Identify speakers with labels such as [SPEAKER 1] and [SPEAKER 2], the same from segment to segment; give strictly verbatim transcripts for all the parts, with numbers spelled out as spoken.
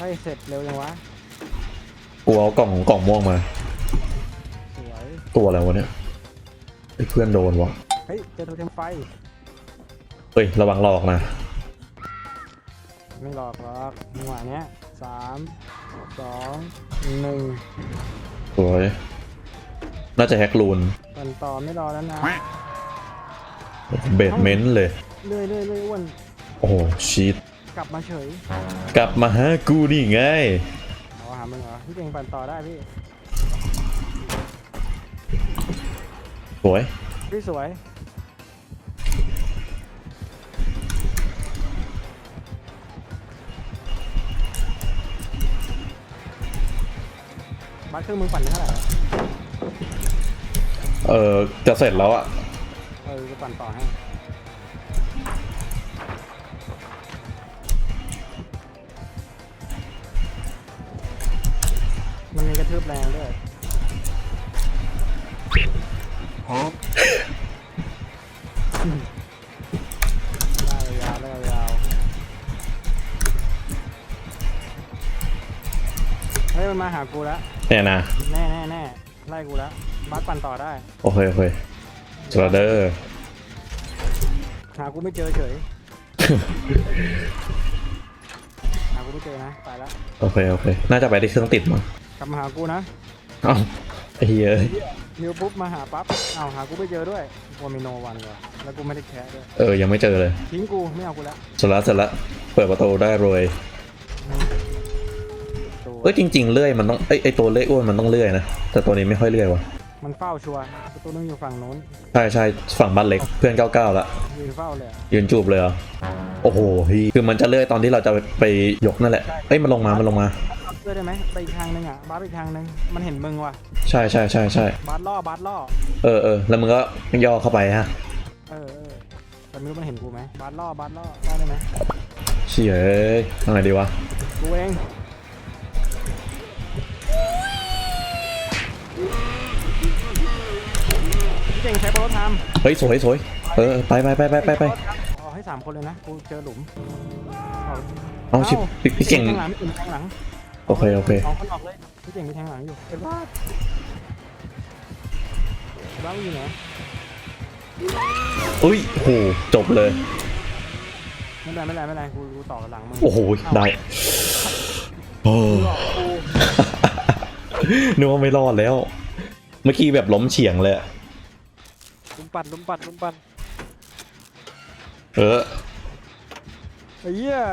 [SPEAKER 1] ให้เสร็จเร็วยังวะ
[SPEAKER 2] กูเอากล่องกล่องม่วงมา
[SPEAKER 1] สวย
[SPEAKER 2] ตัวอะไรวะเนี่ยไอ้เพื่อนโดนวะ
[SPEAKER 1] เฮ้ยเจอโทเทมไฟ
[SPEAKER 2] เฮ้ยระวังหลอกนะ
[SPEAKER 1] ไม่หลอกหรอกจังหวะเนี้ยสามสองหนึ่ง
[SPEAKER 2] สวยน่าจะแฮกลูน
[SPEAKER 1] ปั่นต่อไม่รอแล้วนะ
[SPEAKER 2] เบดเมนต์เลย
[SPEAKER 1] เรื่อยเรื่อยเรื่อยอ้วน
[SPEAKER 2] โอ้โหชีต
[SPEAKER 1] กลับมาเฉย
[SPEAKER 2] กลับมาหากูนี่ไง
[SPEAKER 1] เอาหามึงเหรอพี่เก่งปั่นต่อได้พี่
[SPEAKER 2] สวย
[SPEAKER 1] พี่สวยบัตรเครื่องมึงปั่นเท่าไหร่
[SPEAKER 2] เออจะเสร็จแล้วอะ
[SPEAKER 1] เออจะปั่นต่อให้มันมีกระทืบแรงด้วยฮะได้ยาวได้ยาวเฮ้ยมันมาหากูแล้ว
[SPEAKER 2] เนี่ยนะ
[SPEAKER 1] แน่แน่แน่ไล่กูแล้วบัสปั่นต่อได้
[SPEAKER 2] โอเคโอเคสวัสดี
[SPEAKER 1] หากูไม่เจอเฉยหากูไม่เจอนะตายแล้ว
[SPEAKER 2] โอเคโอเคน่าจะไปที่เครื่องติดมั้ง
[SPEAKER 1] กลับมาหากูนะ
[SPEAKER 2] เอ้าไอ้เหี้ย
[SPEAKER 1] นิวปุ๊บมาหาปั๊บเอ้าหากูไม่เจอด้วยกูมีโนวันว่ะแล้วกูไม่ได้แคร์ด้วย
[SPEAKER 2] เออยังไม่เจอเลย
[SPEAKER 1] ทิ้งกูไม่เอากูแล้ว
[SPEAKER 2] เสร็จแล้วเสร็จแล้วเปิดประตูได้รวยเอ้ยจริงๆเลื่อยมันต้องไอไอตัวเลื่อยอ้วนมันต้องเลื่อยนะแต่ตัวนี้ไม่ค่อยเลื่อยวะ
[SPEAKER 1] มันเฝ้าชัวร์ประตูนึงอยู่ฝั่งโน้น
[SPEAKER 2] ใช่ใช่ฝั่งบ้านเล็กเพื่อนเก้าเก้าละ
[SPEAKER 1] ยืนเฝ้าเลย
[SPEAKER 2] ยืนจูบเลยเหรอโอ้โหพี่คือมันจะเลื่อยตอนที่เราจะไปยกนั่นแหละเอ้ยมันลงมามันลงมา
[SPEAKER 1] เลื่อยได้ไหมไปอีกทางนึงอ่ะบาสไปอีกทางนึงมันเห็นมึงว่ะ
[SPEAKER 2] ใช่ใช่ใช่ใช่
[SPEAKER 1] บาสล่อบาสล่อ
[SPEAKER 2] เออเออแล้วมึงก็ย่อเข้าไปฮะ
[SPEAKER 1] เออเออแต่ไม่รู้มันเห็นกูไหมบาสล่อบาสล่อล่อได้ไหม
[SPEAKER 2] เชี่ยเอ้ยทำไงดีวะ
[SPEAKER 1] กูเองเก่งใช้โปรทาม
[SPEAKER 2] เฮ้ยสวยสวยเออไปไปไปไปไปไป
[SPEAKER 1] เอาให้สามคนเลยนะกูเจอหลุม
[SPEAKER 2] เอาชิบพี่เก่ง
[SPEAKER 1] แทงหลังพี่เก่งแทงหลัง
[SPEAKER 2] โอเคโอเค
[SPEAKER 1] เอาคนออกเลยพี่เก่งมีแทงหลังอยู่เอ็ดวาร์ดบ้าอยู่ไหน
[SPEAKER 2] อุ้ยโหจบเลย
[SPEAKER 1] ไม่เป็นไรไม่เป็นไรไม่เป็นไรกูกูต่อหลังมึง
[SPEAKER 2] โอ้โหได้โอ้นึกว่าไม่รอดแล้วเมื่อกี้แบบล้มเฉียงเลย
[SPEAKER 1] ลุ้มปั่นลุ้มปั่นลุ้มปั่น
[SPEAKER 2] เออ
[SPEAKER 1] ไอ้เหี้ย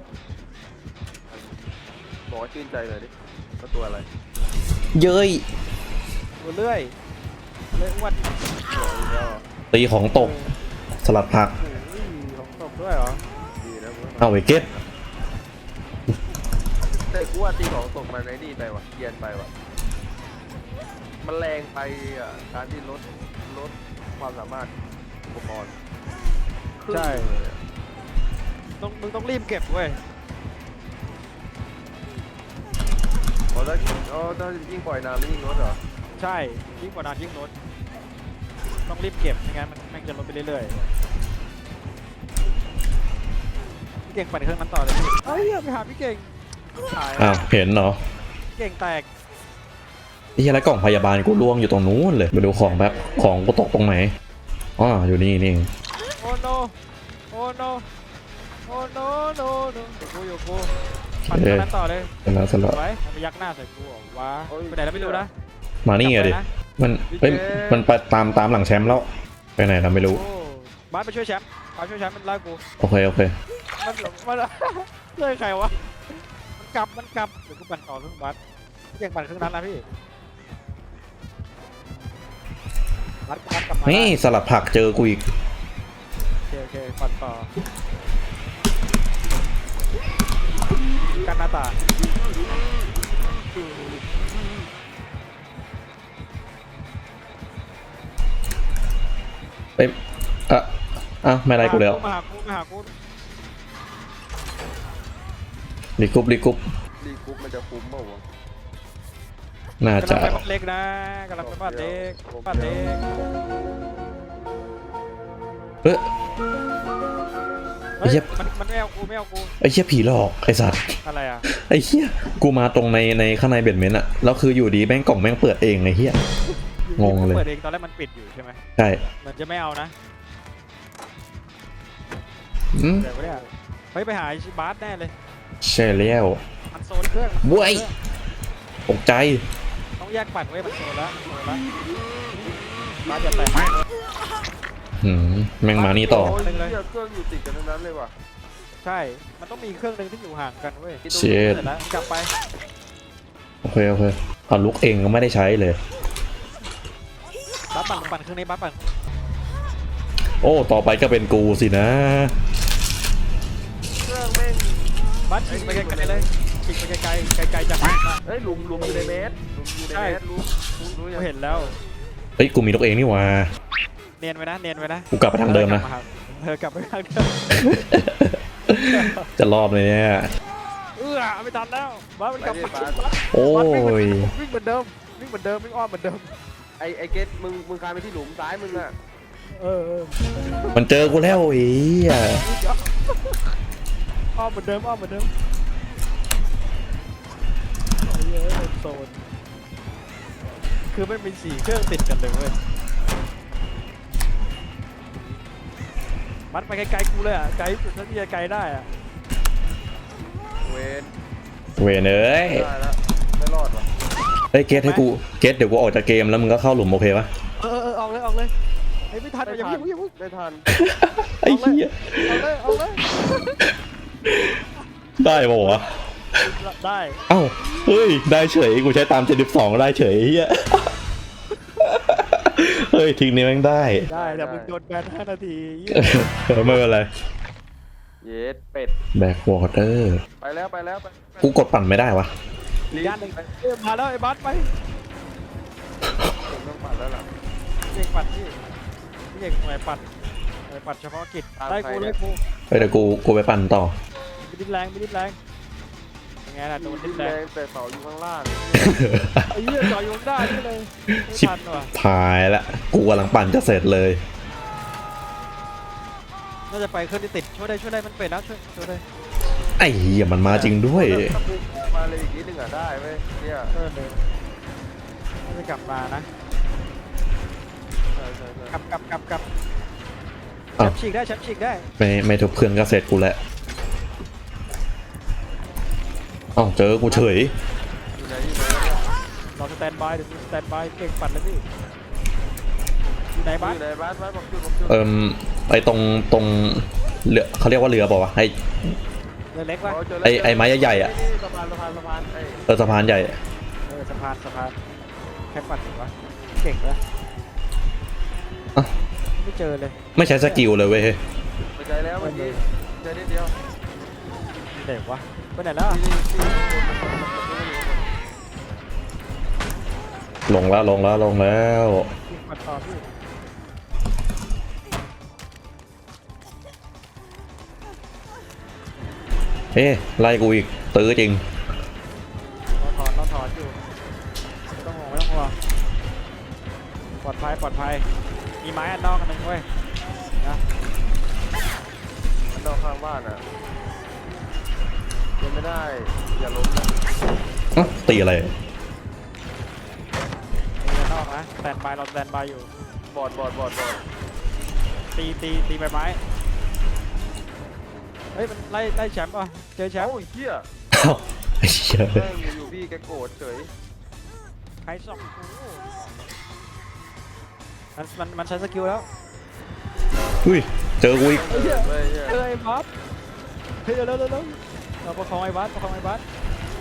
[SPEAKER 3] บอกว่าชื่นใจเลยดิก็ตัวอะไร
[SPEAKER 2] เย้ย
[SPEAKER 1] ตัวเลื่อยเลื่อยวัด
[SPEAKER 2] ตีของตกสลัดผัก
[SPEAKER 1] ของตกด้วยเหรอ
[SPEAKER 3] ดีนะ
[SPEAKER 2] เอาไปเก็ต
[SPEAKER 3] แต่กูว่าตีของตกมาในนี่ไปวะเกียนไปวะมันแรงไปอ่ะการที่ลดลดความสามารถอุปกรณ์
[SPEAKER 1] ใช่ต้องมึงต้องรีบเก็บเว้ย
[SPEAKER 3] พอถ้าอ๋อถ้ายิ่งปล่อยนานยิ่งลดเหรอ
[SPEAKER 1] ใช่ยิ่งกว่านานยิ่งลดต้องรีบเก็บไม่งั้นมันแม่งจะลดไปเรื่อยๆพี่เก่งปั่นเครื่องนั้นต่อเลยพี่เฮ้ยไปหาพี่เก่ง
[SPEAKER 2] อ้าวเห็นเนาะ
[SPEAKER 1] เก่งแตก
[SPEAKER 2] นี่อะไรกล่องพยาบาลกูล่วงอยู่ตรงนู้นเลยไปดูของแบบของกูตกตรงไหนอ๋ออยู่นี่นี่
[SPEAKER 1] โอ้โนโอ้โนโอ้โนโนโนกูอยู่กูปั่นนั้นต่อเลย
[SPEAKER 2] เสร็จแล้วเสร็จแล้ว
[SPEAKER 1] ไปไปยักหน้าใส่กูว้าไปไหนแล้วไม่รู้นะ
[SPEAKER 2] มานี่ไงดิมันเฮ้ยมันไปตามตามหลังแชมป์แล้วไปไหนเราไม่รู้
[SPEAKER 1] บ้านไปช่วยแชมป์ไปช่วยแชมป์มันไล่กู
[SPEAKER 2] โอเคโอเค
[SPEAKER 1] มันมันเลื่อยใครวะมันกลับมันกลับเดี๋ยวกูปั่นต่อเครื่องบัสเก่งปั่นเครื่องนั้นนะพี่
[SPEAKER 2] นี่สลัดผักเจอกูอีก
[SPEAKER 1] โอเคโอเคปั่นต่อกันหน้าตา
[SPEAKER 2] เอ้ยอ่ะอ่ะไม่ได้กูแล้ว
[SPEAKER 1] มาหากูมาหากู
[SPEAKER 2] รีกุ๊บรีกุ๊บ
[SPEAKER 3] รีกุ๊บมันจะคุ้มเปล่าวะ
[SPEAKER 2] น่าจะ
[SPEAKER 1] กำลังไปบ้านเล็กนะกำลังไปบ้านเล็กบ้านเล็ก
[SPEAKER 2] เฮ้ย
[SPEAKER 1] เฮ้ย
[SPEAKER 2] เหี้ย
[SPEAKER 1] มันมันไม่เอากูไม่เอากู
[SPEAKER 2] ไอ้เหี้ยผีหลอกไอ้สัตว์
[SPEAKER 1] อะไรอ่ะ
[SPEAKER 2] ไอ้เหี้ยกูมาตรงในในข้างในเบดเมนต์อะแล้วคืออยู่ดีแม่งกล่องแม่งเปิดเองไอ้เหี้ย งงเลย
[SPEAKER 1] เปิดเองตอนแรกมันปิดอยู่ใช่ไหม
[SPEAKER 2] ใช่
[SPEAKER 1] เหมือนจะไม่เอานะ
[SPEAKER 2] อืม
[SPEAKER 1] เดี๋ยวเนี่ยเฮ้ยไปหาไอ้บาสแน่เลย
[SPEAKER 2] ใช่แล้ว
[SPEAKER 1] มันโซนเครื่องมันโซน
[SPEAKER 2] เว้ย
[SPEAKER 1] เครื่อง
[SPEAKER 2] ตกใจ
[SPEAKER 1] ต้องแยกปั่นไว้ยมันโซนแล้วมันโซนแล้วบาสจะแตก
[SPEAKER 2] หืมแม่งมานี่ต่อ
[SPEAKER 3] โอ้ยเหี้ยเครื่องอยู่ติดกันทั้งนั้นเลยว่ะ
[SPEAKER 1] ใช่ มันต้องมีเครื่องหนึงที่อยู่ห่างกันเว้ย
[SPEAKER 2] เช็ด
[SPEAKER 1] เสร็จแล้วกลับไป
[SPEAKER 2] โอเคโอเคเอาลุกเองก็ไม่ได้ใช้เลย
[SPEAKER 1] บาสปั่นปั่นเครื่องนี้บาสปั่น
[SPEAKER 2] โอ้ต่อไปก็เป็นกูสินะ
[SPEAKER 3] เครื่องแม่ง
[SPEAKER 1] บาสฉีกไปไกลๆเลยฉีกไปไกลๆไกลๆจากบาส
[SPEAKER 3] เฮ้ยหลุมหลุมอยู่ในเมตรหลุมอยู่ในเมตรรู้รู้รู้
[SPEAKER 1] กู
[SPEAKER 3] ยัง
[SPEAKER 1] เห็นแล้ว
[SPEAKER 2] เฮ้ยกูมีนกเองนี่หว่า
[SPEAKER 1] เนียนไว้นะเนียนไว้นะ
[SPEAKER 2] กูกลับไปทางเดิมนะ
[SPEAKER 1] เธอกลับไปทางเดิม
[SPEAKER 2] จะรอบเลยเนี่ย
[SPEAKER 1] เออไม่ทันแล้วบาสมันกลับมา
[SPEAKER 2] โอ้ย
[SPEAKER 1] วิ่งเหมือนเดิมวิ่งเหมือนเดิมวิ่งอ้อมเหมือนเดิม
[SPEAKER 3] ไอไอเกตมึงมึงคานไปที่หลุมซ้ายมึงอะ
[SPEAKER 1] เออเออ
[SPEAKER 2] มันเจอกูแล้วไอ้เหี้ย
[SPEAKER 1] อ้อมเหมือนเดิมอ้อมเหมือนเดิมไอ้เหี้ยโซนคือมันมีสี่เครื่องติดกันเลยเว้ยมัดไปไกลๆกูเลยอ่ะไกลสุดเท่าที่จะไกลได้อ่ะ
[SPEAKER 3] เวน
[SPEAKER 2] เวยเอ้ย
[SPEAKER 3] ได้แล้วไม่รอดว่ะ
[SPEAKER 2] เฮ้ยเกตให้กูเกตเดี๋ยวกูออกจากเกมแล้วมึงก็เข้าหลุมโอเคปะ
[SPEAKER 1] เออเออเออออกเลยออกเลยไอ้ยไม่ทันอย่าเพิ่งอย่าเพิ่ง
[SPEAKER 3] ไม่ทัน
[SPEAKER 2] ไอ้เหี้ย
[SPEAKER 1] เอาเลยเอาเลย
[SPEAKER 2] ได้ปะวะ
[SPEAKER 1] ได้
[SPEAKER 2] เอ้าเฮ้ยได้เฉยกูใช้ตามเจ็ดสิบสองได้เฉยไอ้เหี้ยเฮ้ยทีนี้แม่งได้
[SPEAKER 1] ได้แต่มึงโดนแบนห้านาทีเหี้ย
[SPEAKER 2] เออไม่เป็นไร
[SPEAKER 3] เย็ดเป็ด
[SPEAKER 2] แบ็กวอเตอร์
[SPEAKER 3] ไปแล้วไปแล้วไป
[SPEAKER 2] กูกดปั่นไม่ได้วะ
[SPEAKER 1] อีกด้านหนึ่งเอ้ยมาแล้วไอ้บัสไป
[SPEAKER 3] ผมต้องปั่นแล้วล่ะ
[SPEAKER 1] พี่เอกปัดพี่พี่เอกหน่วยปัดหน่วยปัดเฉพาะกิจ
[SPEAKER 3] ตาม
[SPEAKER 1] ได้
[SPEAKER 3] ใคร
[SPEAKER 1] กู
[SPEAKER 3] เนี่
[SPEAKER 1] ได้
[SPEAKER 3] ย
[SPEAKER 1] กู
[SPEAKER 2] เฮ้ยเดี๋ยวกูกูไปปั่นต่อ
[SPEAKER 1] ไม่ดิ้นแรงไม่ดิ้นแรงยังไงล่ะโดนดิ้นแร
[SPEAKER 3] แรง งแต่เสาอยู่ข้างล่าง
[SPEAKER 1] ไอ้เหี้ยจ่อยโยงได้นี่เลยไม่
[SPEAKER 2] ชิบ
[SPEAKER 1] ทันว่ะ
[SPEAKER 2] พายละกูกำลังปั่นจะเสร็จเลย
[SPEAKER 1] น่าจะไปเครื่องที่ติดช่วยได้ช่วยได้มันเป็ดแล้วช่วยช่วยได้
[SPEAKER 2] ไอ้เหี้ยมันมาจริงด้วย
[SPEAKER 3] ถ้ามึงมาเลยอีกนิดนึงอะได้ไหมเนี่ย
[SPEAKER 1] เออเลยน่าจะกลับมานะ
[SPEAKER 3] ใช่ใช่ใช่
[SPEAKER 1] กลับกลับกลับกลับแช
[SPEAKER 2] อ้าว
[SPEAKER 1] มป์ฉีกได้แชมป์ฉีกได้
[SPEAKER 2] ไม่ไม่ทุกเครื่องก็เสร็จกูแล้วเอ้าเจอกูเฉย
[SPEAKER 3] อยู่ไหนอยู่ไหน
[SPEAKER 1] รอสแตนบายเดี๋ยวมีสแตนบายเก่งปัดแล้วพี่อยู่ไหนบ้าน
[SPEAKER 3] อยู่ไหนบ้านบ้านบอกจุดบอกจุด
[SPEAKER 2] เอิ่มไอตรงตรงเรือเขาเรียกว่าเรือเปล่าวะไอ
[SPEAKER 1] เรือเล็กวะ
[SPEAKER 3] อ๋อเจแล้ว
[SPEAKER 2] ไอ้ไอ้ไม้ใหญ่ๆอะ
[SPEAKER 3] นี่สะพานสะพานสะพานไอ้
[SPEAKER 2] เออสะพานใหญ่
[SPEAKER 1] เออสะพานสะพานแค่ปัดถึงวะเก่งเลย
[SPEAKER 2] อ่ะ
[SPEAKER 1] ไม่เจอเลย
[SPEAKER 2] ไม่ใช้สกิลเลยเว้ย
[SPEAKER 3] ไปใจแล้วเมื่อกี้ใจนิดเดียว
[SPEAKER 1] เด็กวะไปไหนแล้วอะ
[SPEAKER 3] ที่ที่ที่คนมันมันมันมัน
[SPEAKER 2] ลงแล้วลงแล้วลงแล้ว
[SPEAKER 1] ยิงปัดต่อพี่
[SPEAKER 2] เอ๊ะไล่กูอีกตื้อจริง
[SPEAKER 1] เราถอนเราถอนอยู่ไม่ต้องห่วงไม่ต้องห่วงปลอดภัยปลอดภัยมีไม้อันนอกอันหนึงเว้ยนะ
[SPEAKER 3] มันนอกข้างบ้านอ่ะยังไม่ได้อย่าล้มนะ
[SPEAKER 2] อ๊ะตีอะไร
[SPEAKER 1] มีอันนอกนะสแตนบายเราสแตนบายอยู่
[SPEAKER 3] บอดบอดบอดบอด
[SPEAKER 1] ตีตีตีใบไม้เฮ้ยมันไล่ไล่แชมป์ป่ะเจอแชมป์
[SPEAKER 3] โอ้ยเหี้ย
[SPEAKER 2] เอ้าไอ้เหี้ย
[SPEAKER 3] แม่งอยู่ๆพี่แกโกรธเฉย
[SPEAKER 1] ใครส่องกูมันมันมันใช้สกิลแล้ว
[SPEAKER 2] อุ้ยเจอกูอีก
[SPEAKER 3] เฮ้ยเฮ้ย
[SPEAKER 1] เฮ้ยไอ้บัสเฮ้ยเร็วเร็วเร็วเร็วเราประคองไอ้บัสประคองไอ้บัส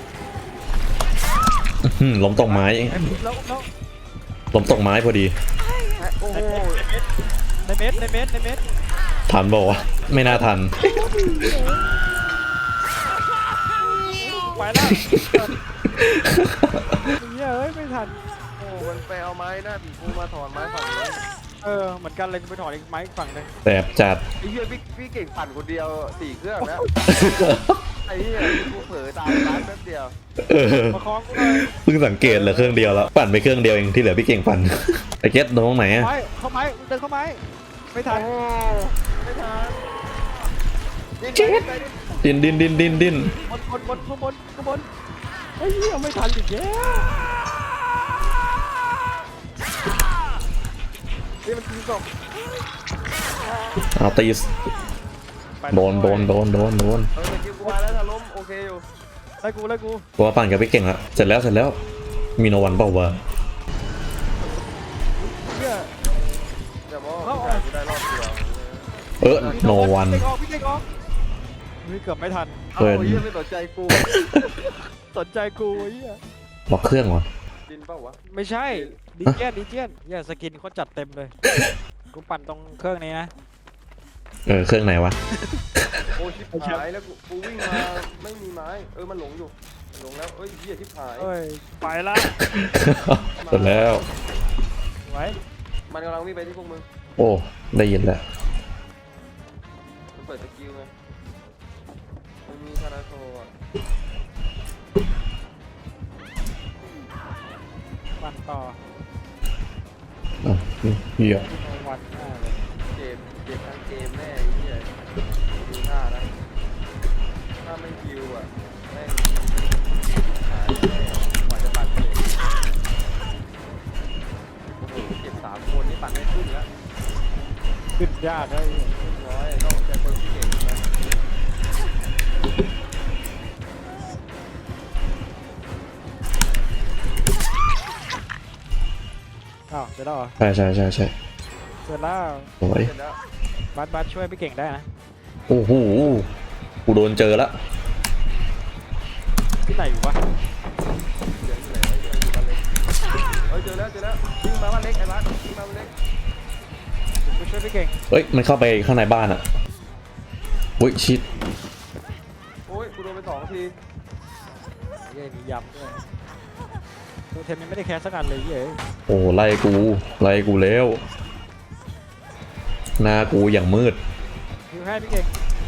[SPEAKER 2] อื้อหือล้มตรงไม้
[SPEAKER 1] ไอ้แล้วแล้ว
[SPEAKER 2] ล้มตรงไม้พอดี
[SPEAKER 3] โอ้โห
[SPEAKER 1] ในเม็ดในเม็ดในเม็ด
[SPEAKER 2] ทันบอกวะไม่น่าทัน
[SPEAKER 1] ไปแล้วเฮ้ยไม่ทัน
[SPEAKER 3] โอ้มันไปเอาไม้หน้าผีกูมาถอนไม้ฝั่งนี้
[SPEAKER 1] เออเหมือนกันเลยกูไปถอดอีกไม้อีกฝั่งหนึง
[SPEAKER 2] แสบจัด
[SPEAKER 3] ไอ้เหี้ยพี่พี่เก่งปั่นคนเดียวสี่เครื่องแล้วไอ้เหี้ยกูเผลอตายร้านแป๊บเดียว
[SPEAKER 2] เออ
[SPEAKER 1] ประคองกูเลย
[SPEAKER 2] เพิ่งสังเกตเหลือเครื่องเดียวแล้วปั่นไปเครื่องเดียวเองที่เหลือพี่เก่งปั่นไอ้เก็ตตรงไหนอะ
[SPEAKER 1] ไม้เข้าไม้เดินเข้าไม้ไม่ทัน
[SPEAKER 3] โอ้ไม่ทันดิ้น
[SPEAKER 2] ดินดินดินดินดิน
[SPEAKER 1] บนบนบนข้างบนข้างบนไอ้เหี้ยไม่ทันอีกแล้วนี่มันคือศพ
[SPEAKER 2] เอาตีสโดนโดนโดนโดนโดน
[SPEAKER 3] เออเมื่อกี้กูมาแล้วถ้าล้มโอเคอยู่
[SPEAKER 1] ไล่กูไล่กู
[SPEAKER 2] ตัวปั่นกับพี่เก่งละเสร็จแล้วเสร็จแล้วมีโนวันเปล่าวะ
[SPEAKER 1] เหี้ย
[SPEAKER 3] แต่ว่ากูได้กูได้รอบเดียว
[SPEAKER 2] เออโนวัน
[SPEAKER 1] พี่เก่งออกพี่เก่งออกเฮ้ยเกือบไม่ทัน
[SPEAKER 3] เอา
[SPEAKER 2] เกิน
[SPEAKER 3] เหี้ยไม่สนใจกู
[SPEAKER 1] สนใจกูไอ้เหี้ย
[SPEAKER 2] ล็อกเครื่องวะ
[SPEAKER 3] ดินเปล่าวะ
[SPEAKER 1] ไม่ใช่ดีเจียนดีเจียนเหี้ยสกินเขาจัดเต็มเลยกูปั่นตรงเครื่องนี้นะ
[SPEAKER 2] เออเครื่องไหนวะ
[SPEAKER 3] โอ้ชิบหายแล้วกูกูวิ่งมาไม่มีไม้เออมันหลงอยู่มันหลงแล้วเอ้ยเหี้ยชิบหาย
[SPEAKER 1] เอ้ยไปละ
[SPEAKER 2] เสร็จแล้ว
[SPEAKER 1] ไว้
[SPEAKER 3] มันกำลังวิ่งไปที่พวกมึง
[SPEAKER 2] โอ้ได้ยินแล้ว
[SPEAKER 3] มันเปิดสกิลไงมันมีคาราโทอ่ะ
[SPEAKER 1] ปั่นต่อ
[SPEAKER 2] อ่ะเหี้ย
[SPEAKER 1] ที่โนวันหน้าเลย
[SPEAKER 3] เจ็บเจ็บทั้งเกมแน่ไอ้เหี้ยดูท่านะถ้าไม่คิวอ่ะแม่งหายแน่กว่าจะปั่นเสร็จโอ้โหเจ็บสามคนนี่ปั่นไม่ขึ้นแล้ว
[SPEAKER 1] ขึ้นยากเลย
[SPEAKER 3] ขึ้นน้อยต้องใจคนที่เก่งนะ
[SPEAKER 1] อ้าวเสร็จแล้วเหรอ
[SPEAKER 2] ใช่ใช่ใช่ใช่
[SPEAKER 1] เสร็จแล้ว
[SPEAKER 2] สวย
[SPEAKER 3] เสร็จแล้ว
[SPEAKER 1] บัสบัสช่วยพี่เก่งได้นะ
[SPEAKER 2] โอ้โหกูโดนเจอละ
[SPEAKER 1] ที่ไหนอยู่วะ
[SPEAKER 3] เดี๋ยวอยู่ไหนวะเดี๋ยวอยู่บ้านเล็กเอ้ยเจอแล้วเจอแล้ววิ่งมาบ้านเล็กไอ้บ้านวิ่งมาบ้านเล็ก
[SPEAKER 1] ผมไปช่วยพี่เก่ง
[SPEAKER 2] เอ้ยมันเข้าไปข้างในบ้านอ่ะอุ้ยชิด
[SPEAKER 3] โอ้ยกูโดนไปสองที
[SPEAKER 1] เย้มียำด้วยตัวเทมยังไม่ได้แคสสักอันเลยเย้
[SPEAKER 2] โอ้ไล่กูไล่กูแล้วหน้ากูอย่างมืด
[SPEAKER 1] คิวให้พี่เก่ง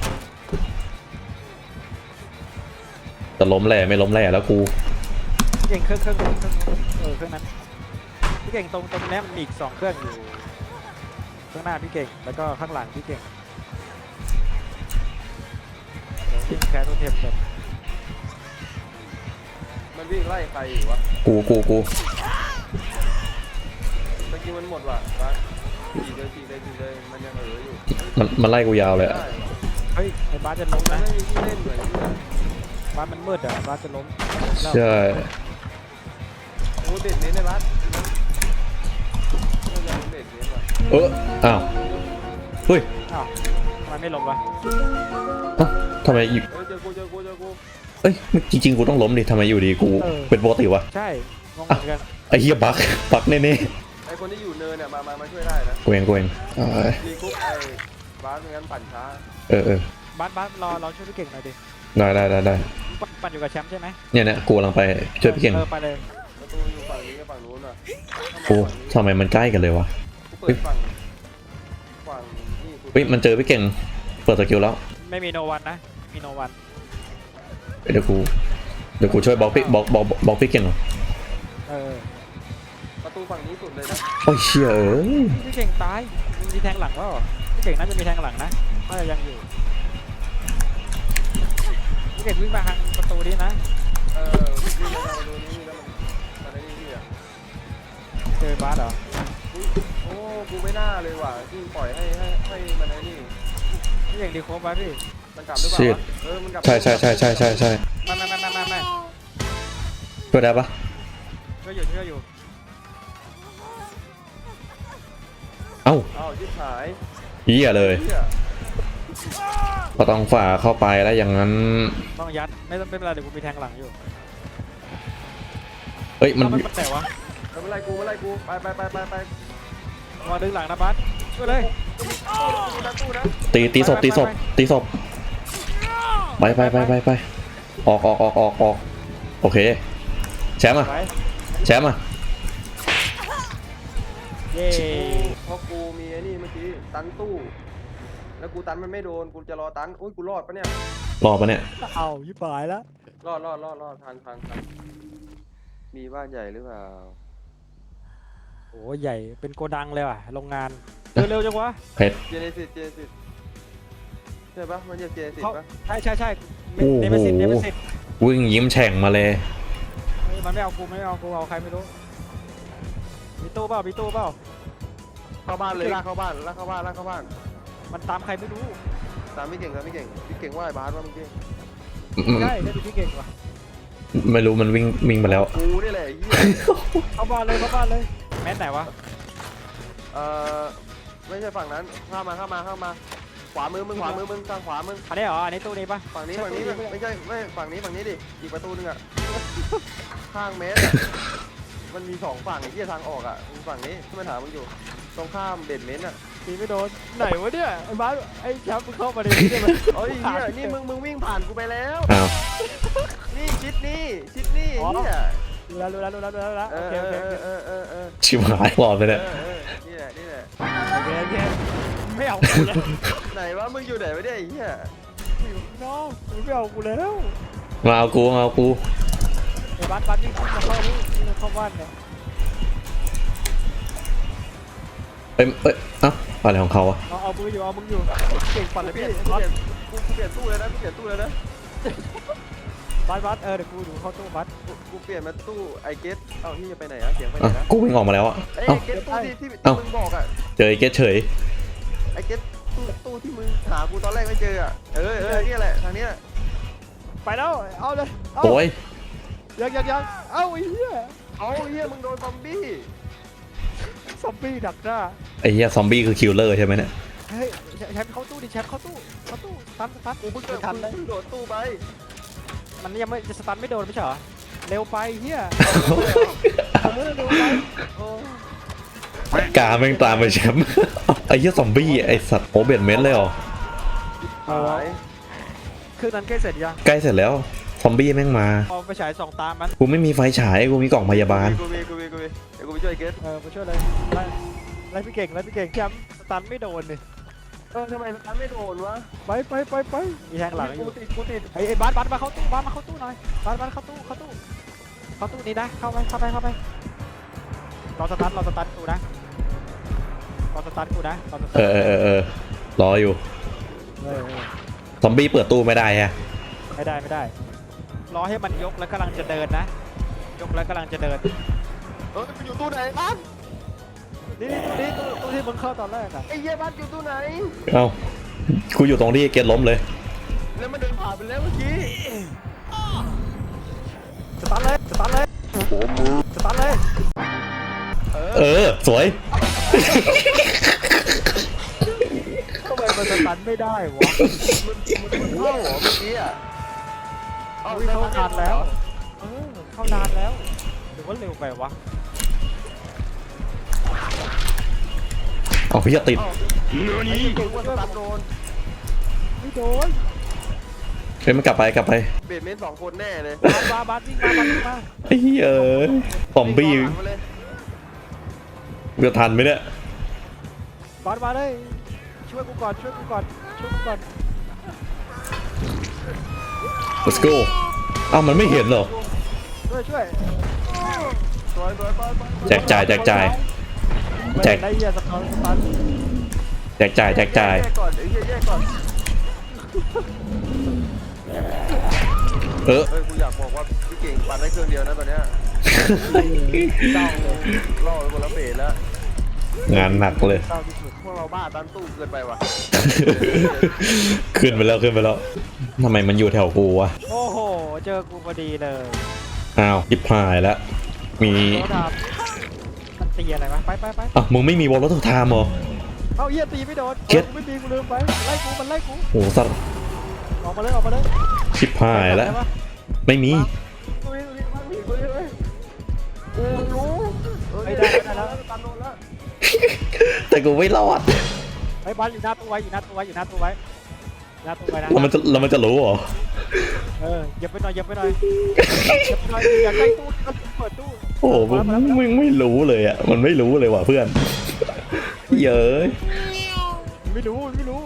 [SPEAKER 2] จะล้มแหล่ไม่ล้มแหล่แล้วกู
[SPEAKER 1] พี่เก่งเครื่องเครื่องเครื่องเครื่องเออเครื่องนั้นพี่เก่งตรงตรงนี้มันมีอีกสองเครื่องอยู่ข้างหน้าพี่เก่งแล้วก็ข้างหลังพี่เก่งเดี๋ยววิ่งแคสตัวเทมก่อน
[SPEAKER 3] มันวิ่งไล่ใครอยู่วะ
[SPEAKER 2] กูกูกู
[SPEAKER 3] เมื่อกี้มันหมดว่ะบ้านขี่เลยขี่เลยขี่เลยมันยังเหลืออยู่
[SPEAKER 2] มันมันไล่กูยาวเลยอะ
[SPEAKER 3] ได้ว่ะ
[SPEAKER 1] เฮ้ยไอ้บาสจะล้ม
[SPEAKER 3] มัน
[SPEAKER 1] นะ
[SPEAKER 3] ไม่มีที่เล่นเหมือนที่
[SPEAKER 1] บาสมันมืดอ่ะบาสจะล้มแล้ว
[SPEAKER 2] ใช่
[SPEAKER 3] โอ้เด็ดเน้นในบ้านน่าจะเป็นเด็ดเน้นว่ะ
[SPEAKER 2] เอออ้าวเฮ้ย
[SPEAKER 1] อ้าวทำไมไม่ล้มวะ
[SPEAKER 2] เอ้าทำไมอยู่
[SPEAKER 3] เอ้ยเจอกูเจอกูเจอกู
[SPEAKER 2] เอ้ยจริงๆกูต้องล้มดิทำไมอยู่ดีกูเป็นปกติวะ
[SPEAKER 1] ใช่งงเหมือนกัน
[SPEAKER 2] ไอ้เหี้ยบักบักแน่
[SPEAKER 3] ไอคนที่อยู่เนินเนี่ยมามามาช่วยได้นะ
[SPEAKER 2] ๆกูเองกูเองเอ้ย
[SPEAKER 3] มีกุ๊กไอ้บ้านไม่งั้นปั่นช้า
[SPEAKER 2] เออเออบ
[SPEAKER 1] าสบาสรอรอช่วยพี่เก่งหน่อยดิ
[SPEAKER 2] ได้ได้ได้ได้
[SPEAKER 1] ปั่นปั่นอยู่กับแชมป์ใช่ไหม
[SPEAKER 2] เนี่ยเนี่ยกูกำลังไปช่วยพี่เก่ง
[SPEAKER 1] เออไปเลย
[SPEAKER 3] ประตูอยู่ฝั่งนี้กับฝั่งนู้นอ่ะ
[SPEAKER 2] โอ้ทำไมมันใกล้กันเลยวะ
[SPEAKER 3] กูเปิดฝั่งฝั่งนี่กู
[SPEAKER 2] เฮ้ยมันเจอพี่เก่งเปิดสกิลแล้ว
[SPEAKER 1] ไม่มีโนวันนะมีโนวัน
[SPEAKER 2] เดี๋ยวกูเดี๋ยวกูช่วยบล็อกพี่บล็อกบล็อกบล็อกพี่เก่งเหรอ
[SPEAKER 1] เออ
[SPEAKER 3] ประตูฝั่งนี้สุดเลยนะ
[SPEAKER 2] โอ้ยเชี่ยเอ้ย
[SPEAKER 1] พี่เก่งตายมีแทงหลังวะเหรอพี่เก่งน่าจะมีแทงหลังนะน่าจะยังอยู่พี่เก่งวิ่งมาทางประตูนี้นะ
[SPEAKER 3] เออวิ่งมาทางประตูนี้แล้วมันมันไอ้นี่พี่อ่ะ
[SPEAKER 1] เจอบาสเหรอ
[SPEAKER 3] อุ๊ยโอ้กูไม่น่าเลยว่ะที่ปล่อยให้ให้ให้มันไอ้นี่
[SPEAKER 1] พี่เก่งดีโคบไว้พี่
[SPEAKER 3] มันกลับหรือเปล่าวะเออมันกลับ
[SPEAKER 2] ใช่ใช่ใช่ใช่ใช่ใช่
[SPEAKER 1] ไม่ไม่ไม่ไม่ไม่ไม่
[SPEAKER 2] ช่วยได้ปะ
[SPEAKER 1] ช่วยอยู่ช่วยอยู่
[SPEAKER 2] เอ้า
[SPEAKER 3] อ้าวชิบหาย
[SPEAKER 2] เหี้ยเลย
[SPEAKER 3] เหี้ย
[SPEAKER 2] ก็ต้องฝ่าเข้าไปแล้วอย่างนั้น
[SPEAKER 1] ต้องยัดไม่ต้องไม่เป็นไรเดี๋ยวกูมีแทงหลังอยู่
[SPEAKER 2] เอ้ยมัน
[SPEAKER 1] เอามันมันแต่วะ
[SPEAKER 3] เออไม่ไล่กูไม่ไล่กูไปไปไปไปไป
[SPEAKER 1] มาดึงหลังนะบาสช่วยเลย
[SPEAKER 3] กูนะกูนะ
[SPEAKER 2] ตีตีศพตีศพตีศพไปไปไปไปไปออกออกออกออกออกโอเคแชมป์อ่ะ
[SPEAKER 1] ไป
[SPEAKER 2] แชมป์อ่ะ
[SPEAKER 1] เย้
[SPEAKER 3] เพราะกูมีไอ้นี่เมื่อกี้ตันตู้แล้วกูตันมันไม่โดนกูจะรอตันอุ้ยกูรอดปะเนี่ย
[SPEAKER 2] รอปะเนี่ย
[SPEAKER 1] เอายิบหายแล้ว
[SPEAKER 3] รอดรอดรอดรอดทันทันทันมีบ้านใหญ่หรือเปล่า
[SPEAKER 1] โอ้ใหญ่เป็นโกดังเลยว่ะโรงงานเร็วๆจังวะ
[SPEAKER 2] เพชร
[SPEAKER 3] เจเนซิสเจเนซิสใช่ช่ปะมันจะเจสิ
[SPEAKER 1] เขา
[SPEAKER 3] ปะ
[SPEAKER 1] ใช่ใช่ใช่
[SPEAKER 2] โอ้โห
[SPEAKER 1] เนเมซิสเนเมซิส
[SPEAKER 2] วิ่งยิ้มแฉ่งมาเลย
[SPEAKER 1] เฮ้ยมันไม่เอากูไม่เอากูเอาใครไม่รู้มีตู้เปล่ามีตู้เปล่า
[SPEAKER 3] เข้าบ้านเลยลากเข้าบ้านลากเข้าบ้านลากเข้าบ้าน
[SPEAKER 1] มันตามใครไม่รู้
[SPEAKER 3] ตามไม่เก่งตามไม่เก่งพี่เก่งว่าไอ้บาสว่าเมื่อกี้
[SPEAKER 1] ใช่ได้ดูพี่เก่งว่ะ
[SPEAKER 2] ไม่รู้มันวิ่งวิ่งไปแล้ว
[SPEAKER 3] กูนี่แหละไอ้เหี้ย
[SPEAKER 1] เข้าบ้านเลยเข้าบ้านเลยแมสไหนวะ
[SPEAKER 3] เอ่อไม่ใช่ฝั่งนั้นข้ามมาข้ามมาข้ามมาขวามือมึงขวามือมึงทางขวามึง
[SPEAKER 1] อันนี้เหรออันนี้ตู้นี้ปะ
[SPEAKER 3] ฝั่งนี้
[SPEAKER 1] ใช่
[SPEAKER 3] ฝั่งนี้
[SPEAKER 1] ตู้ปะ
[SPEAKER 3] ไม่ใช่ไม่ฝั่งนี้ฝั่งนี้ดิอีกประตูนึงอ่ะข้างเมตรอะมันมีสองฝั่งไอ้เหี้ยทางออกอ่ะมีฝั่งนี้ที่มันถามมึงอยู่ตรงข้ามเบดเมนต์อ่ะ
[SPEAKER 1] ตีไม่โดนไหนวะเนี่ยไอ้บ้าสไอ้แชมป์มึงเข้ามาในนี้ได้ไหม
[SPEAKER 3] เอ้ยเหี้ยนี่มึงมึงวิ่งผ่านกูไปแล้ว
[SPEAKER 2] อ้าว
[SPEAKER 3] นี่ชิดนี่ชิดนี่ไอ้เหี้ย
[SPEAKER 1] รู้แล้วรู้แล้วรู้แล้วรู้แล้ว
[SPEAKER 3] เอ
[SPEAKER 1] โอ
[SPEAKER 3] อ
[SPEAKER 1] เคโอเค
[SPEAKER 3] เอ
[SPEAKER 1] โอ
[SPEAKER 3] อ
[SPEAKER 1] เค
[SPEAKER 3] เออเออเออ
[SPEAKER 2] ชิบหายหลอดไป
[SPEAKER 3] เอ
[SPEAKER 2] เนี่ย
[SPEAKER 3] อเออนี่แหละนี่แหละ
[SPEAKER 1] โอเคโอเคไม่เอากูแล้ว
[SPEAKER 3] ไหนวะมึงอยู่ไหนวะเนี่ยไอ้เหี้ย
[SPEAKER 1] น้องมึงไม่เอากูแล้ว
[SPEAKER 2] มาเอากูมาเอากู
[SPEAKER 1] ไอ้บ้านบ้านนี่มาเข้านี่นี่เข้าบ้านเนี่ย
[SPEAKER 2] เอ้ยเอ้ยเอ้าอะไรของเขาอะ
[SPEAKER 1] เอาเอามืออยู่เอามืออยู่เก่งปั่นเลย
[SPEAKER 3] เปลี่
[SPEAKER 1] พี่
[SPEAKER 3] ยนกู
[SPEAKER 1] บ้าน
[SPEAKER 3] เปลี่ยนกูกูเปลี่ยนตู้เลยนะกูเปลี่ยนตู้เลยนะ
[SPEAKER 1] บ้านบ้านเออเดี๋ยวกูดูเข้าตู้บ้าน
[SPEAKER 3] กูกูเปลี่ยนมาตู้ไอเกตเอ้าที่จะไปไหนอะเสียงไปไหน
[SPEAKER 2] อ่ะ
[SPEAKER 3] นะ
[SPEAKER 2] กูวิ่งออกมาแล้วอะ
[SPEAKER 3] เอ้ย
[SPEAKER 2] เอ้า
[SPEAKER 3] ไอเกตตู้ที่ที่
[SPEAKER 2] เอ้า
[SPEAKER 3] ที่มึงบอกอะ
[SPEAKER 2] เจอไอ้เกตเฉย
[SPEAKER 3] ไอเกตตู้ตู้ที่มึงหากูตอนแรกไม่เจออะเออเออเนี่ยแหละทางเนี้ย
[SPEAKER 1] ไปแล้วเอาเลยเอา
[SPEAKER 2] โอ้ย
[SPEAKER 1] ยังยังยังเอาไอ้เหี้ย
[SPEAKER 3] เอาเฮียมึงโดนซอมบี้
[SPEAKER 1] ซอมบี้ดักหน้า
[SPEAKER 2] ไอ้เหี้ยซอมบี้คือคิลเลอร์ใช่ไหมเนี่ย
[SPEAKER 1] เฮ้ยแชมป์เข้าตู้ดิแชมป์เข้าตู้เข้าตู้สตันสตัน
[SPEAKER 3] กูเพิ่ง
[SPEAKER 1] ไม่ทันเลย
[SPEAKER 3] เพิ่งโดดตู้ไป
[SPEAKER 1] มันยังไม่จะสตันไม่โดนไม่ใช่เหรอเร็วไปเฮียเร็วเร็วไปโอ้
[SPEAKER 2] กาแม่งตามไปแชมป์ ไอ้เหี้ยซอมบี้ไอ้สัตว์โอเบนเมนเลยเหรอ
[SPEAKER 3] หาย
[SPEAKER 1] เครื่องนั้นใกล้เสร็จยัง
[SPEAKER 2] ใกล้เสร็จแล้วซอมบี้แม่งมา
[SPEAKER 1] เอาไปฉายสองตามัน
[SPEAKER 2] กูไม่มีไฟฉายกูมีกล่องพยาบาล
[SPEAKER 3] กูมีกูมีกูมีเดี๋ยวกูไปช่วยไอเกต
[SPEAKER 1] เออมาช่วยเลยไล่ไล่พี่เก่งไล่พี่เก่งแชมป์สตันไม่โดนเลย
[SPEAKER 3] เออทำไมมันไม่โดนวะ
[SPEAKER 1] ไปไปไปไปมีแทงหลังอยู่
[SPEAKER 3] กูติดกูติด
[SPEAKER 1] ไอ้ไอ้บ้านบ้านมาเข้าตู้บ้านมาเข้าตู้หน่อยบ้านบ้านเข้าตู้เข้าตู้เข้าตู้นี้นะเข้าไปเข้าไปเข้าไปรอสตันรอสตันกูนะรอสตันกูนะรอสตั
[SPEAKER 2] เอน อเออเออเออรออยู่
[SPEAKER 1] เออเออ
[SPEAKER 2] ซอมบี้เปิดตู้ไม่ได้ฮะ
[SPEAKER 1] ไม่ได้ไม่ได้รอให้มันยกแล้วกำลังจะเดินนะ ยกแล้วกำลังจะเดิน
[SPEAKER 3] เออมันอยู่ตู้ไหนบ้าน
[SPEAKER 1] นี่นี่ตู้นี้ตู้ตู้ที่มึงเข้าตอนแรกอะ
[SPEAKER 3] ไอ้เหี้ยบ้านอยู่ตู้ไหน
[SPEAKER 2] เอ้ากูอยู่ตรงที่เกตล้มเลย
[SPEAKER 3] แล้วมันเดินผ่านไปแล้วเมื่อกี้
[SPEAKER 1] สตาร์ทเลยสตาร์ทเลยสตาร์ทเลย
[SPEAKER 3] เออ
[SPEAKER 2] เออสวย
[SPEAKER 1] ทำไมมันสตาร์ทไม่ได้วะ
[SPEAKER 3] มันมันเข้าเหรอเมื่อกี้อ่ะ
[SPEAKER 1] เอาเข้านานแล้วเออเข้านานแล้วหรือว่าเร็วไปวะ
[SPEAKER 2] เอาพี่จะติด
[SPEAKER 3] ไอ้เก่งว่าสตาร์ทโดน
[SPEAKER 1] ไม่โดน
[SPEAKER 2] เฮ้ยมันกลับไปกลับไป
[SPEAKER 3] เบดเมนต์สองคนแน่เลย
[SPEAKER 1] บาสบาสบาสวิ่งมาบาสวิ่งมา
[SPEAKER 2] ไอ้เหี้ยเอ้ยซอมบี้
[SPEAKER 3] วิ่งเข้าหลังมาเลย
[SPEAKER 2] จะทันไหมเนี่ย
[SPEAKER 1] บาสมาเลยช่วยกูก่อนช่วยกูก่อนช่วยกูก่อน
[SPEAKER 2] let's go เอ้ามันไม่เห็นเหรอ
[SPEAKER 1] ช่วยช่วย
[SPEAKER 3] สวยสวยไปไปไป
[SPEAKER 2] แจกจ่ายแจกจ่าย แจก
[SPEAKER 1] ได้เหี้ยสตาร์ทสตาร์ท
[SPEAKER 2] แจกจ่ายแจกจ่าย
[SPEAKER 3] แยกก่อนไอ้เหี้ยแยกก่อน
[SPEAKER 2] เออ
[SPEAKER 3] เฮ้ยกูอยากบอกว่าพี่เก่งปั่นได้เครื่องเดียวนะตอนเนี้ยเจ้าล่อไปคนละเบสแล้ว
[SPEAKER 2] งานหนักเลย
[SPEAKER 1] เศร้าที่สุด
[SPEAKER 3] พวกเราบ้าตันตู้เกินไปว่ะ
[SPEAKER 2] ขึ้นไปแล้วขึ้นไปแล้วทำไมมันอยู่แถวกูวะ
[SPEAKER 1] โอ้โหเจอกูพอดีเลย
[SPEAKER 2] อ้าวยิบหายแล้วมี
[SPEAKER 1] โดนดาบมันตีอะไรวะไปไปไป
[SPEAKER 2] อ่ะมึงไม่มีวอลล์ทุกทามเหรอ
[SPEAKER 1] เอาเหี้ยตีไม่โดน
[SPEAKER 2] เจ็ด
[SPEAKER 1] กูไม่ตีกูลืมไปไล่กูมันไล่กู
[SPEAKER 2] โหสัตว์
[SPEAKER 1] ออกมาเลยออกมาเลย
[SPEAKER 2] ชิบหายแล้ว
[SPEAKER 1] ได้ปะ
[SPEAKER 2] ไม่มี
[SPEAKER 3] กูนี่กูนี่กูนี่กูนี่กูรู้เออ
[SPEAKER 1] ไม่ได้ไม่ได้แล้ว
[SPEAKER 3] ตันโดนแล้ว
[SPEAKER 2] แต่กูไม่รอด
[SPEAKER 1] ไอ้บ้านอยู่หน้าตู้ไว้อยู่หน้าตู้ไว้อยู่หน้าตู้ไว้หน้าตู้ไว้นะ
[SPEAKER 2] แล้วมันจะแล้วมันจะรู้เหรอ
[SPEAKER 1] เออเหยียบไปหน่อยเหยียบไปหน่อยเหยียบไปหน่อยอย่าใกล้ตู้ก็เปิดตู้
[SPEAKER 2] โอ้โหมึงมึงไม่รู้เลยอ่ะมันไม่รู้เลยว่ะเพื่อนเย้ย
[SPEAKER 1] ไม่รู้ไม่รู้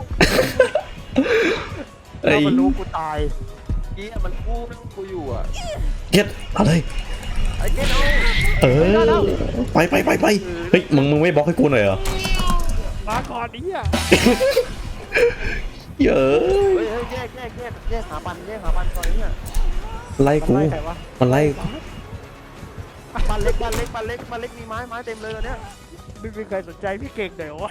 [SPEAKER 2] ไอ้
[SPEAKER 1] ถ้ามันรู้กูตาย
[SPEAKER 3] กี้มันกู้นั่งกูอยู่อ่ะ
[SPEAKER 2] เก็ตอะไร
[SPEAKER 3] ไอ้เก้เอา
[SPEAKER 2] เออไปไปไปไปเฮ้ยมึงมึงไม่บล็อกให้กูหน่อยเหรอ
[SPEAKER 1] มาก่อนนี้อ่ะ
[SPEAKER 2] เยอะ
[SPEAKER 3] เฮ้ยเฮ้ยแยกแยกแยกแยกหาปันแยกหาปันก่อนเนี่ย
[SPEAKER 2] ไล่
[SPEAKER 1] มัน
[SPEAKER 2] กู
[SPEAKER 1] ไล่ใครวะ
[SPEAKER 2] มันไล่
[SPEAKER 3] ปันเล็กปันเล็กปันเล็กปันเล็กมีไม้ไม้เต็มเลยตอนเนี้ย
[SPEAKER 1] ไม่มีใครสนใจพี่เก่งเดี๋ยววะ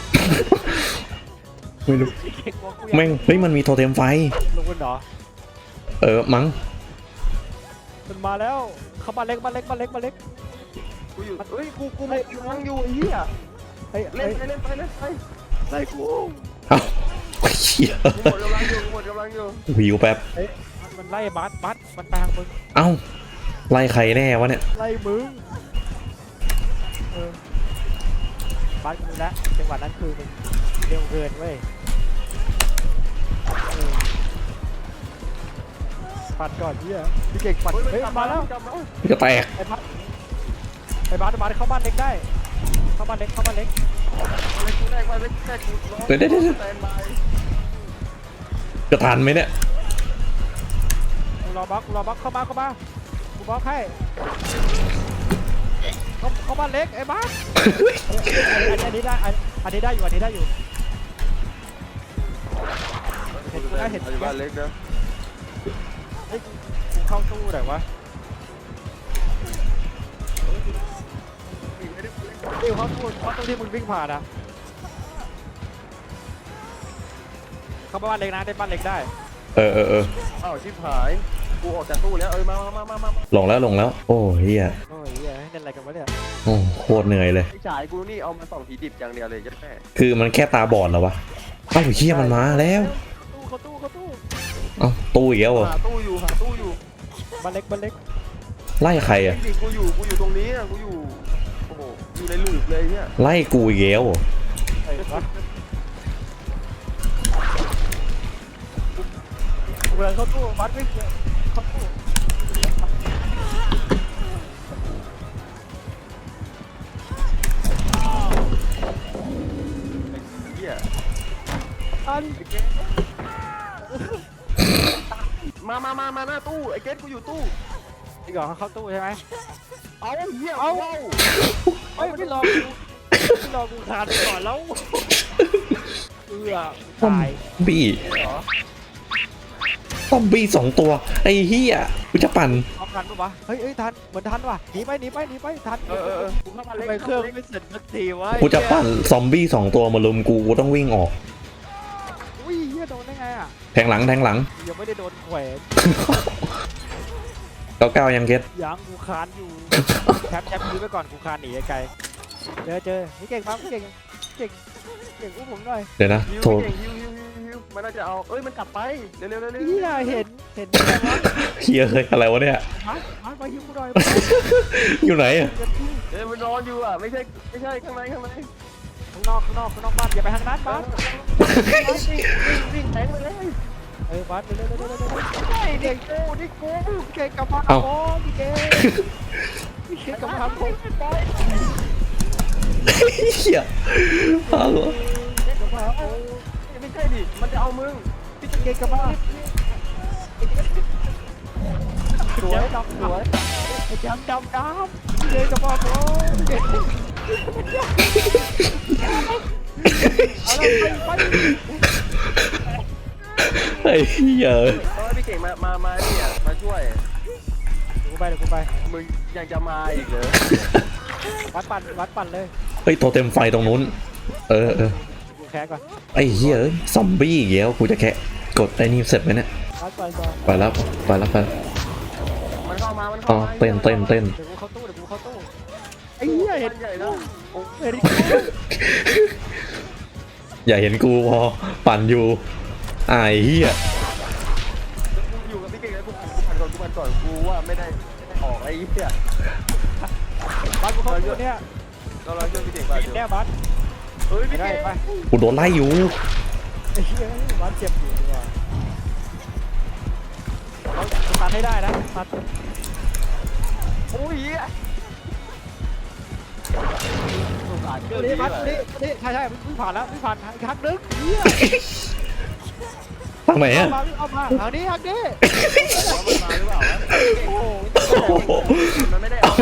[SPEAKER 2] ไม่รู้
[SPEAKER 1] พี่เก่งบอกกูอยาก
[SPEAKER 2] แม่งเฮ้ยมันมีโทเทมไฟ
[SPEAKER 1] ลงกันเหรอ
[SPEAKER 2] เออมั้ง
[SPEAKER 1] มันมาแล้วเข้าบ้านเล็กบ้านเล็กบ้านเล็กบ้านเล็ก
[SPEAKER 3] กูอยู่เฮ้ยกูกูไม่ยังอยู่ไอ้เหี้ย
[SPEAKER 1] เฮ้ย
[SPEAKER 3] เล่
[SPEAKER 1] เล่
[SPEAKER 3] น
[SPEAKER 1] น
[SPEAKER 3] ไปเล่นไปเล่นไป
[SPEAKER 1] ไล่กู
[SPEAKER 2] เอ้าเหี้ย
[SPEAKER 3] กูหมดกำลังอยู่กูหมดกำลังอยู่
[SPEAKER 2] วิวแป๊บ
[SPEAKER 1] เฮ้ยมันมันไล่บัสบัสมันไปทางมึง
[SPEAKER 2] เอ้าไล่ใครแน่วะเนี่ย
[SPEAKER 1] ไล่มึงเออบัสกูนะจังหวะนั้นคือมึงเร็วเกินเว้ยเออปัดก่อนเหี้ยพี่เก่งปัด
[SPEAKER 3] เฮ้ย
[SPEAKER 1] เฮ้ย
[SPEAKER 3] กลับ
[SPEAKER 1] มาแล้ว
[SPEAKER 3] กลับมา
[SPEAKER 2] จะแตก
[SPEAKER 1] ไอ้บัสไอ้บัสไอ้บัสเข้าบ้านเล็กได้เข้าบ้านเล็กเข้าบ้านเล็ก
[SPEAKER 3] เล็กกูแรกมาเล็กแรกกูร้อง
[SPEAKER 2] เดี๋ยวเดี๋ยวเดี๋ยว
[SPEAKER 3] สแตนบาย
[SPEAKER 2] จะทันไหมเนี่ย
[SPEAKER 1] กูรอบล็อกกูรอบล็อกเข้ามาเข้ามากูบล็อกให้เข้าเข้าบ้านเล็กไอ้บัสอันนี้ได้อันอันนี้ได้อยู่อันนี้ได้อยู่เห็นกูได้เห็น
[SPEAKER 3] อ
[SPEAKER 1] กู
[SPEAKER 3] ยู่บ้าน
[SPEAKER 1] ได้
[SPEAKER 3] เล็กนะ
[SPEAKER 1] เฮ้ยกูเข้าตู้ไหนวะเดี๋ยวเข้าตู้เข้าตู้ที่มึงวิ่งผ่านอะเข้าบ้านเล็กนะได้บ้านเล็กได้
[SPEAKER 2] เออเออเออ
[SPEAKER 3] อ้าวชิบหายกูออกจากตู้แล้วเออมามามามามา
[SPEAKER 2] ลงแล้วลงแล้ว โอ้เฮีย
[SPEAKER 1] โอ้ยเหี้ยเล่นอะไรกันวะเนี่ย
[SPEAKER 2] โอ้โคตรเหนื่อยเลย
[SPEAKER 3] ไอ้ฉายกูนี่เอามาส่องผีดิบอย่างเดียวเลยยัดแม่
[SPEAKER 2] คือมันแค่ตาบอดเหรอวะเอ้าเฮียมันมาแล้ว
[SPEAKER 1] ตู้เข้าตู้เข้าตู้
[SPEAKER 2] เอ้าตู้อีกแล้วเหรอ
[SPEAKER 3] หาตู้อยู่หาตู้อยู่
[SPEAKER 1] บ้านเล็กบ้านเล็ก
[SPEAKER 2] ไล่ใคร
[SPEAKER 3] ไอ้
[SPEAKER 2] อะ
[SPEAKER 3] ดิกูอยู่กูอยู่ตรงนี้อะกูอยู่โอ้โหอยู่ในหลืบเลยเนี่ย
[SPEAKER 2] ไล่กูอีกแล้วเหรอ
[SPEAKER 1] ไอ้วะเมืองเข้าตู้บัสวิ่งเข้าตู้
[SPEAKER 3] เหี้ย
[SPEAKER 1] อัน
[SPEAKER 3] มามามามาหน้าตู้ไอ้เกตกูอยู่ตู้
[SPEAKER 1] อีกเหรอเขาเข้าตู้ใช่ไหม
[SPEAKER 3] เอาเหี้ย
[SPEAKER 1] เอา
[SPEAKER 3] เอา
[SPEAKER 1] เฮ้ยไม่รอกูไม่รอกูขาดไปก่อนแล้วเอือตาย
[SPEAKER 2] บี้
[SPEAKER 3] เหรอ
[SPEAKER 2] ซอมบี้สองตัวไอ้เฮียกูจะปั่น
[SPEAKER 1] เอาทันปะวะเฮ้ยเฮ้ยทันเหมือนทันว่ะหนีไปหนีไปหนีไปทัน
[SPEAKER 3] เออเออเออกูเข้ามาเล็ก
[SPEAKER 1] ทำไมเครื่องไม่เสร็จสักทีวะ
[SPEAKER 2] กูจะปั่นซอมบี้สองตัวมาลุมกูกูต้องวิ่งออก
[SPEAKER 1] อุ้ยเฮียโดนได้ไงอ่ะ
[SPEAKER 2] แทงหลังแทงหลัง
[SPEAKER 1] ยังไม่ได้โดนแขวน
[SPEAKER 2] เก้าเก้ายังเก็ต
[SPEAKER 1] ยังกูคานอยู่แชมป์แชมป์ยื้อไปก่อนกูคานหนีไกลเจอเจอนี่เก่งปั๊มเก่งเก่งเก่งอุ้มผมหน่อย
[SPEAKER 2] เดี๋ยวนะ
[SPEAKER 3] ฮิว
[SPEAKER 2] โทร
[SPEAKER 3] เก่งฮิวฮิวฮิวฮิวมันน่าจะเอาเอ้ยมันกลับไปเร็วเร็วเร็วเร็ว
[SPEAKER 1] เฮียเห็นเห็นได้ไงวะ
[SPEAKER 2] เฮียเฮ้ยอะไรวะเนี่ย
[SPEAKER 1] มามาไปยิงกูหน่อย
[SPEAKER 2] อยู่ไหนอะ
[SPEAKER 3] เอ้ยมันนอนอยู่อ่ะไม่ใช่ไม่ใช่ข้างในข้างใน
[SPEAKER 1] ข้างนอกข้างนอกข้างนอกบ้านอย่าไปทางนั้นบ้าน
[SPEAKER 3] วิ่งวิ่งวิ่งแทงไปเลย
[SPEAKER 1] เออบ้านเร็วเร็วเร็วเร็วเร็ว
[SPEAKER 3] ใช่เด็กกูนี่กู
[SPEAKER 1] เก่งกับพังโอ้พี่เก่งพี่เก่งกับพังโอ้
[SPEAKER 2] เฮียฮัลโหล
[SPEAKER 3] เด็กกับพังโอ้ไม่ใช่ดิมันจะเอามึง
[SPEAKER 1] พี่เก่งกับพังสวยดำสวยดำดำดำพี่เก่งกับพังโอ้เก่งเอาละไปไป
[SPEAKER 2] ไอ้เฮีย
[SPEAKER 3] เออพี่เก่งมามามาเนี่ยมาช่วย
[SPEAKER 1] เดี๋ยวกูไปเดี๋ยวกูไป
[SPEAKER 3] มึงยังจะมาอีกเหรอ
[SPEAKER 1] วัดปั่นวัดปั่นเลย
[SPEAKER 2] เฮ้ยโทรเต็มไฟตรงนู้น เออเออ
[SPEAKER 1] กูแค่ก่อน
[SPEAKER 2] ไอ้เฮียเอ้ยซอมบี้อีกแล้วกูจะแค่กดไอ้นี่เสร็จไหมเนี่ย
[SPEAKER 1] วัดปั่นก่อน
[SPEAKER 2] ไปแล้วไปแล้วไปแล้ว
[SPEAKER 3] มันเข้ามามัน
[SPEAKER 2] อ๋อ
[SPEAKER 3] เข้ามา
[SPEAKER 2] เต้นเต้นเต้น
[SPEAKER 1] เดี๋ยวกูเข้าตู้เดี๋ยวกูเข้าตู้ไอ้เหี้ยเห็น
[SPEAKER 3] ใหญ่แล้ว
[SPEAKER 1] เห็น
[SPEAKER 2] อย่าเห็นกูพอปั่นอยู่ไอ้เฮีย
[SPEAKER 3] กูอยู่กับพี่เก่งแล้วกูผ่านก่อนกูผ่านก่อนกูว่าไม่ได้ไม่ได้ออกไอ้เหี้ย
[SPEAKER 1] บัสกูเข้าตู้เนี่ย
[SPEAKER 3] เราเราช่วยพี่เก่งไป
[SPEAKER 1] กินแน่บัส
[SPEAKER 3] เฮ้ย
[SPEAKER 1] ไม่
[SPEAKER 3] พี่
[SPEAKER 1] ได้
[SPEAKER 3] เก่ง
[SPEAKER 1] ไป
[SPEAKER 2] กูโดนไล่อยู่
[SPEAKER 1] ไอ้เหี้ยบัสเจ็บอยู่ดีกว่าเราตัดให้ได้นะตัด
[SPEAKER 3] โอ้ยเหี้ยสงสารเกิน
[SPEAKER 1] นี่บัสนี่นี่ใช่ใช่วิ่งผ่านแล้ววิ่งผ่านอีกครั้งนึงเหี้ย
[SPEAKER 2] ทางไหน
[SPEAKER 1] เอา
[SPEAKER 2] อะ
[SPEAKER 1] มาเอามาทางนี้ทางนี้
[SPEAKER 3] ว่ามันมาหรือเปล่าวะ
[SPEAKER 1] โอ้โห
[SPEAKER 2] โอ้โห
[SPEAKER 3] มันไม่ได้เอา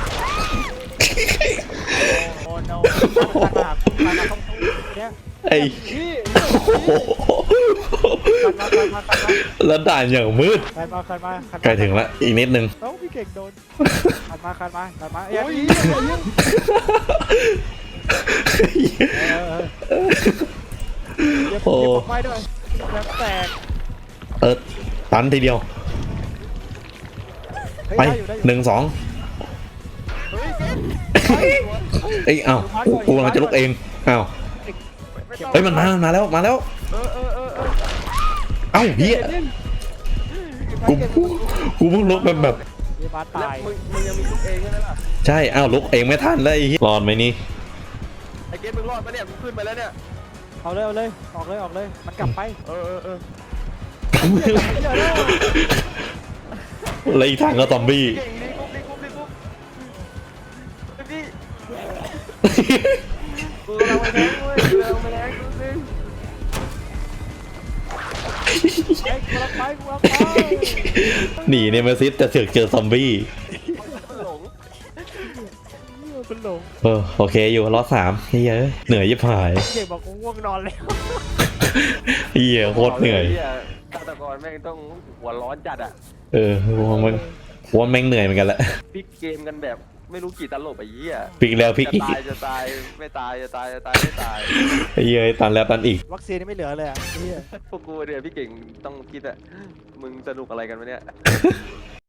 [SPEAKER 1] โอ้โนตัดมาตัดมาเข้าตู้เนี่ย
[SPEAKER 2] ไอ้
[SPEAKER 1] พี่
[SPEAKER 2] โอ้โหแล้วด่านอย่างมืด
[SPEAKER 1] ใครมาใครมาใครมา
[SPEAKER 2] ใกล้ถึงแล้วอีกนิดนึง
[SPEAKER 1] เอ้าพี่เก่งโดนใครมาใครมาใครมาเอ้ย
[SPEAKER 3] โอ้ย
[SPEAKER 1] เออเออเดี๋ยว
[SPEAKER 2] โอ้
[SPEAKER 1] เดี๋ยวผมไม่ด้วยแล้วแตก
[SPEAKER 2] เออตันทีเดียว
[SPEAKER 1] เฮ้ย
[SPEAKER 2] ไป
[SPEAKER 1] ได้อยู่ได้อยู่
[SPEAKER 2] หนึ่งสอง
[SPEAKER 3] เฮ้ยเกม
[SPEAKER 2] เอ้ยอ้าวกูกูกำลังจะลุกเองอ้าว
[SPEAKER 3] ไม่ต้อง
[SPEAKER 2] เฮ้ยมันมามันมาแล้วมาแล้ว
[SPEAKER 3] เออเออเออเออ
[SPEAKER 2] เอ้าเฮียกูกูเพิ่งลุกแบบแบบ
[SPEAKER 1] เดี๋ยวมา
[SPEAKER 3] แล้ว
[SPEAKER 1] ตาย
[SPEAKER 3] มึงมึงยังมีลูกเองใช่ไหมล่ะ
[SPEAKER 2] ใช่อ้าวลุกเองไม่ทันเลยไอ้เหี้ยรอดไหมนี่
[SPEAKER 3] ไอ้เกมมึงรอดปะเนี่ยมึงขึ้นไปแล้วเนี่ย
[SPEAKER 1] เอาเลยเอาเลยออกเลยออกเลยมันกลับไป
[SPEAKER 3] เออเออเออ
[SPEAKER 1] เดี๋ยวเดี๋ยวเดี๋ยว
[SPEAKER 2] แล้วอีกทางก็ซอมบี้
[SPEAKER 3] เก่งดีกุ๊บดีกุ๊บดีกุ๊บไอ้พี่กูกำลังไปแทงเว้ยกูกำลังไปแทงดูสิ
[SPEAKER 1] ไอ้กูรักไปกูรักไป
[SPEAKER 2] หนีเนี่ยมาซิสจะเสือกเจอซอมบี้
[SPEAKER 3] มันหลง
[SPEAKER 1] เป็นหลง
[SPEAKER 2] เออโอเคอยู่รอดสามเฮ้ยเอ้ยเหนื่อยยิบหาย
[SPEAKER 1] เก่งบอกกูง่วงนอนแล้ว
[SPEAKER 2] เฮียโคตรเหนื่อย
[SPEAKER 3] ฆาตกรแม่งต้องหัวร้อนจัดอ่ะ
[SPEAKER 2] เออว่ามันว่าแม่งเหนื่อยเหมือนกันแหละ
[SPEAKER 3] พลิกเกมกันแบบไม่รู้กี่ตลบไอ้เหี้ย
[SPEAKER 2] พลิกแล้วพลิก
[SPEAKER 3] จะ
[SPEAKER 2] อีก
[SPEAKER 3] ตายจะตายไม่ตายจะตายจะตายไม่ตาย
[SPEAKER 2] ไอ้เหี้ยตันแล้วตันอีก
[SPEAKER 1] วัคซีนนี่ไม่เหลือเลยอ่ะเฮีย
[SPEAKER 3] พวกกูเนี่ยพี่เก่งต้องคิดอะมึงสนุกอะไรกันวะเนี่ย